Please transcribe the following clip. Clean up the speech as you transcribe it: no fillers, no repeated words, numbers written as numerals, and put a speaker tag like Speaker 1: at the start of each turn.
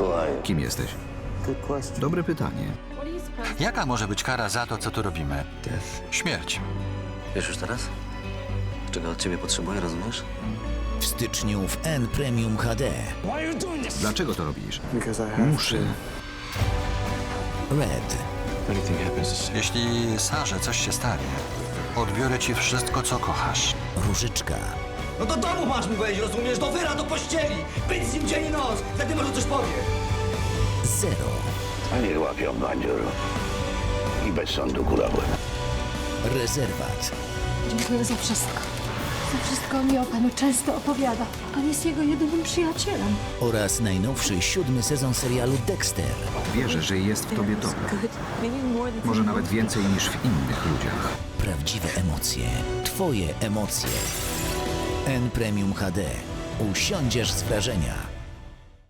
Speaker 1: Kim jesteś? Dobre pytanie.
Speaker 2: Jaka może być kara za to, co tu robimy? Śmierć.
Speaker 3: Wiesz już teraz? Czego od ciebie potrzebuję, rozumiesz?
Speaker 4: W styczniu w N Premium HD.
Speaker 1: Dlaczego to robisz? Muszę.
Speaker 4: Red.
Speaker 2: Jeśli Sarze coś się stanie, odbiorę ci wszystko, co kochasz.
Speaker 4: Różyczka.
Speaker 5: No do domu masz mu wejść, rozumiesz? Do wyra, do pościeli! Być z nim dzień i noc! Wtedy może coś powie!
Speaker 4: Zero.
Speaker 6: A niech łapią bandzior i bez sądu kulałem.
Speaker 4: Rezerwat.
Speaker 7: Dziękuję za wszystko. Za wszystko mi o panu często opowiada. Pan jest jego jedynym przyjacielem.
Speaker 4: Oraz najnowszy 7. sezon serialu Dexter.
Speaker 1: Wierzę, że jest w tobie dobro. Może nawet więcej niż w innych ludziach.
Speaker 4: Prawdziwe emocje. Twoje emocje. N Premium HD. Usiądziesz z wrażenia.